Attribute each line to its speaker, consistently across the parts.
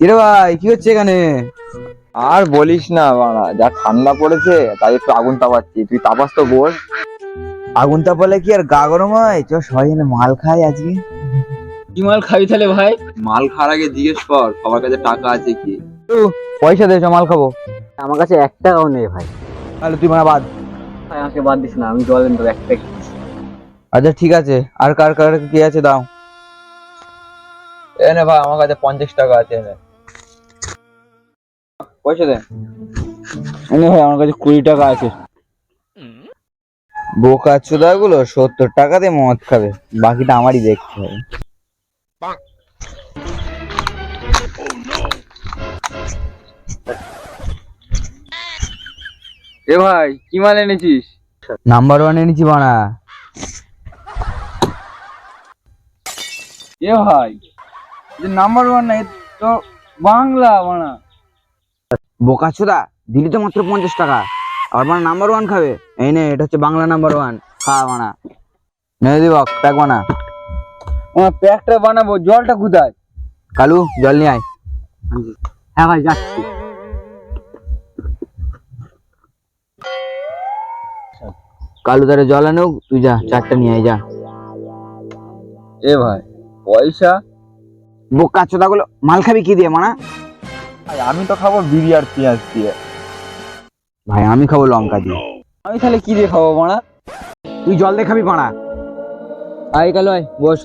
Speaker 1: কিরে ভাই, কি হচ্ছে এখানে?
Speaker 2: আর বলিস না বাড়া, যা ঠান্ডা পড়েছে তাই একটু আগুন তাপাচ্ছি। তুই তাপাস তো বল।
Speaker 1: আগুন তাপালে কি আর গা গরম হয়? চ সবাই এখানে মাল খাই আজকে।
Speaker 2: কি মাল খাবি তাহলে ভাই? মাল খাওয়ার আগে জিজ্ঞেস কর সবার কাছে টাকা আছে কি।
Speaker 1: পয়সা দে, চ মাল খাবো।
Speaker 3: আমার কাছে 1 টাকাও নেই ভাই।
Speaker 1: তাহলে তুই মানে বাদ।
Speaker 3: ভাই আমাকে বাদ দিস না, আমি জল দেবো 1 প্যাকেট।
Speaker 1: আচ্ছা ঠিক আছে, আর কার কার কি আছে দাও।
Speaker 2: এনে ভাই আমার কাছে 50 টাকা আছে, এনে পয়সা দে।
Speaker 1: এনে ভাই আমার কাছে 20 টাকা আছে। বোকা চোদা গুলো 70 টাকা দিয়ে মদ খাবে, বাকিটা আমারই দেখতে হবে।
Speaker 2: এ ভাই কি মাল এনেছিস?
Speaker 1: নাম্বার 1 এনেছি বানা।
Speaker 2: এ ভাই নাম্বার 1 না, তো বাংলা বানা।
Speaker 1: বোকা চোদা, দিলি তো মাত্র 50 টাকা, আর মানে নাম্বার 1 খাবে? এই নে, এটা হচ্ছে বাংলা নাম্বার 1, খা বানা। নে দিব প্যাক বানা।
Speaker 2: আমার প্যাকটা বানাবো, জলটা কোথায়?
Speaker 1: কালু জল নিয়ে আয়।
Speaker 3: হ্যাঁ ভাই যাচ্ছি।
Speaker 1: কালু তারে জল আনুক, তুই যা 4টা নিয়ে আয় যা।
Speaker 2: এ ভাই পয়সা?
Speaker 1: বোকা চোদা গুলো, মাল খাবি কি দিয়ে মানা?
Speaker 2: ভাই আমি তো খাবো বিড়ি আর পেঁয়াজ দিয়ে।
Speaker 1: ভাই আমি খাবো লঙ্কা দিয়ে।
Speaker 2: আমি তাহলে কি দিয়ে খাবো বাড়া?
Speaker 1: তুই জল দিয়ে খাবি বানা। আয় কালু আয়, বস।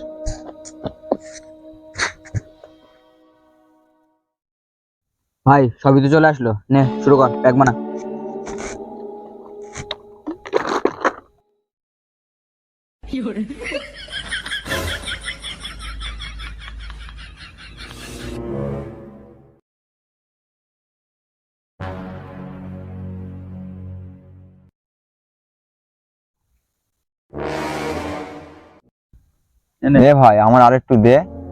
Speaker 1: ভাই সবই তো চলে আসলো, নে শুরু কর, প্যাক বানা।
Speaker 2: দে ভাই আমার আরেকটু দে,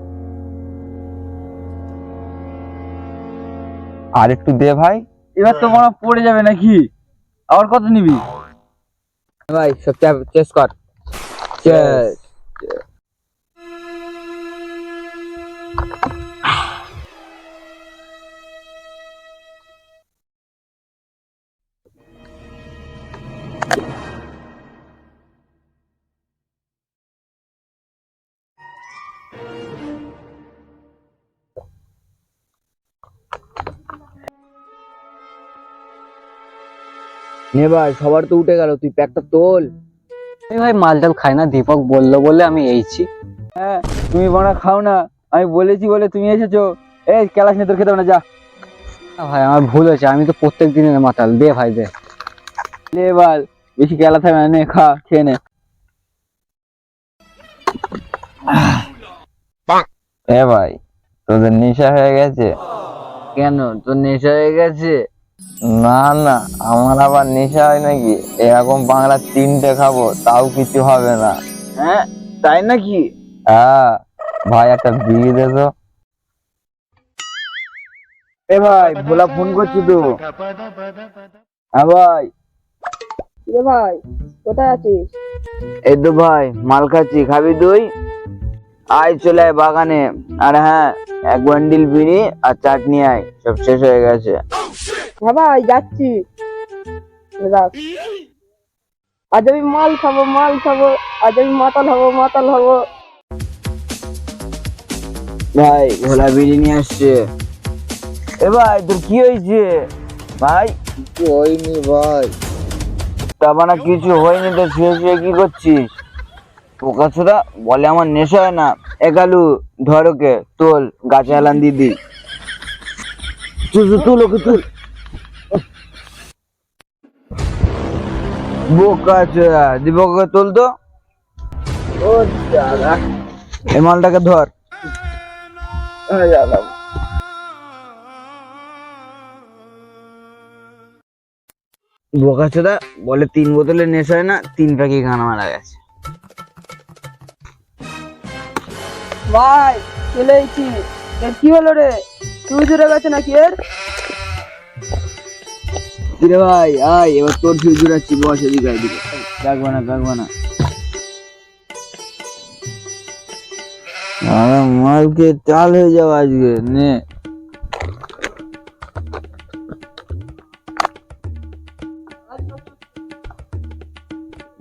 Speaker 2: আরেকটু দে ভাই। এবার তো মনে পড়ে যাবে নাকি? আবার কত নিবি?
Speaker 1: ভাই সব চেস কর। চেস। নে ভাই, সবার তো উঠে গেল, তুই প্যাকটা তোল।
Speaker 3: এই ভাই মাল টাল খাই না, দীপক বললো বলে আমি এইছি।
Speaker 2: হ্যাঁ তুমি বাড়া খাও না, আমি বলেছি বলে তুমি এসেছো। এই ক্যালাস নিয়ে তোর খেতে হবে না, যা।
Speaker 3: না ভাই আমার ভুল হয়েছে, আমি তো প্রত্যেক দিনের মাতাল। দে ভাই দে।
Speaker 2: লে এবার বেশি ক্যালা থাকবে না, নে খা, খেয়ে নে। এ ভাই তোদের নেশা হয়ে গেছে?
Speaker 1: কেন, তোর নেশা হয়ে গেছে?
Speaker 2: না না, আমার আবার নেশা হয় নাকি? এরকম বাংলা 3টে খাবো তাও কিছু হবে না।
Speaker 1: হ্যাঁ তাই নাকি?
Speaker 2: হ্যাঁ ভাই একটা বিড়ি দে তো।
Speaker 1: এ ভাই ভোলা ফোন করছি তো। হ্যাঁ ভাই।
Speaker 4: রে ভাই, কোথায় আছিস?
Speaker 1: এই তো ভাই মাল খাচ্ছি, খাবি তুই? আয় চলে আয় বাগানে। আর হ্যাঁ, 1 বান্ডিল বিড়ি আর চাটনি আয়, সব শেষ হয়ে গেছে।
Speaker 4: হ্যাঁ ভাই যাচ্ছি। রাখ। আজ আমি মাল খাবো, মাল খাবো। আজ আমি মাতাল হবো, মাতাল হবো।
Speaker 1: ভাই ভোলা বিড়ি নিয়ে আসছে। এ ভাই তোর কি হয়েছে ভাই?
Speaker 2: কিছু হয়নি ভাই।
Speaker 1: তাবানা কিছু হয়নি তো শুয়ে শুয়ে কি করছিস? পোকা ছোড়া বলে আমার নেশা হয় না। একালু ধর ওকে, তোল, গাছে হেলান দিদি। তুল ওকে তুল। বোকা ছোড়া, দীপককে তোল তো।
Speaker 4: ও দাদা।
Speaker 1: এই মালটাকে ধর। বোকা ছোড়া বলে 3 বোতলের নেশা হয় না, 3 প্যাকে গান মারা গেছে।
Speaker 4: ভাই চলে এসেছি। এর কি হলো রে? তুই জুড়ে গেছে নাকি এর?
Speaker 1: কিরে ভাই আয়, এবার তোর ফিউজ জুড়াচ্ছি, বস এদিকে এদিকে। প্যাক বানা। আরে মালকে চাল হয়ে যাও আজকে, নে।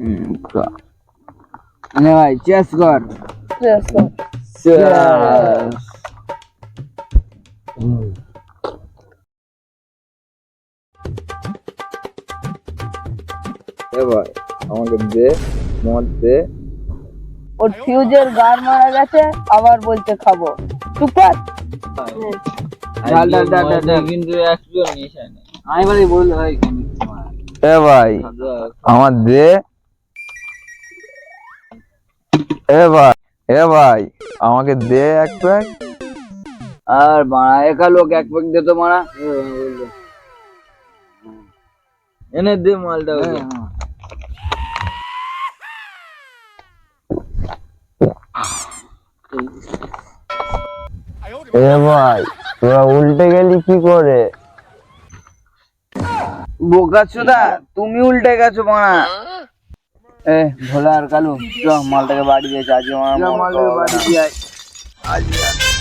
Speaker 1: নে ভাই চেস কর।
Speaker 4: Yes, sir.
Speaker 1: Cheers.
Speaker 2: এ ভাই আমাকে দে, মদ দে।
Speaker 4: ওর ফিউজের গার মারা গেছে, আবার বলছে খাবো। চুপ কর।
Speaker 1: ডাল ডাল ডাল ডাল ডাল।
Speaker 2: কিন্তু একটু নেশা নেই।
Speaker 3: আমি বলি বললে ভাই
Speaker 2: এ ভাই আমার দে। এ ভাই আমাকে দে এক প্যাক।
Speaker 1: আর বাড়া একা লোক এক প্যাক দে তো মারা।
Speaker 2: এনে দে মালটা ওকে। এ ভাই তোরা উল্টে গেলি কি করে?
Speaker 1: বোকাচোদা তুমি উল্টে গেছো মারা। এ ভোলা আর কালু চ মালটাকে বাড়ি দিয়েছে আজকে মালটাকে বাড়ি দিয়ে